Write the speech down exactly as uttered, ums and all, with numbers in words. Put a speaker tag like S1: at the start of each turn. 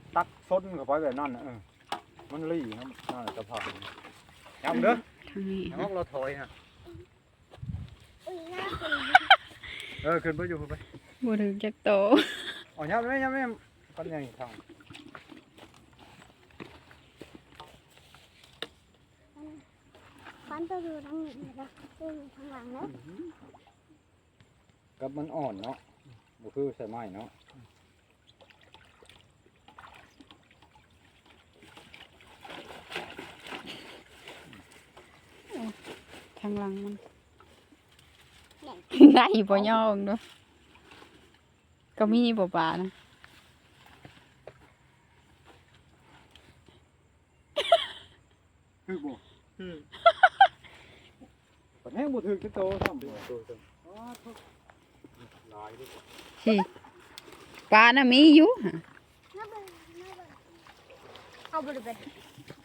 S1: ตักซนเข้าไปแบบนั้นน่ะเออมันลี่นะนั่นจะผ่านย้ำเด้อ
S2: ทางนี้
S1: ย้ำเราถอยฮะเออขึ้นไปอยู่ขึ้นไป
S2: บ่ถึงจักโต
S1: อ๋อย้ำไม่ย้ำไม่กันยังทาง
S3: ฟันตัวดูทางนี้นะตัวอยู่ทางหลังแล้ว
S1: กับมันอ่อนเนาะบ่คือใส่ไม้เนาะ
S2: ทางหลังมันได้บ่ย่อเด้อก็มีบ่ปลานะ
S1: คือบ่คือปัดแห้งบ่ถึงจะโตซ้ำบ่โตซ้ำอ๋อทุกหลายดิ
S2: สิปลาน่ะมีอยู่ฮะ
S3: น้าเบิ่งน้าเบิ่งเอาบริเวณ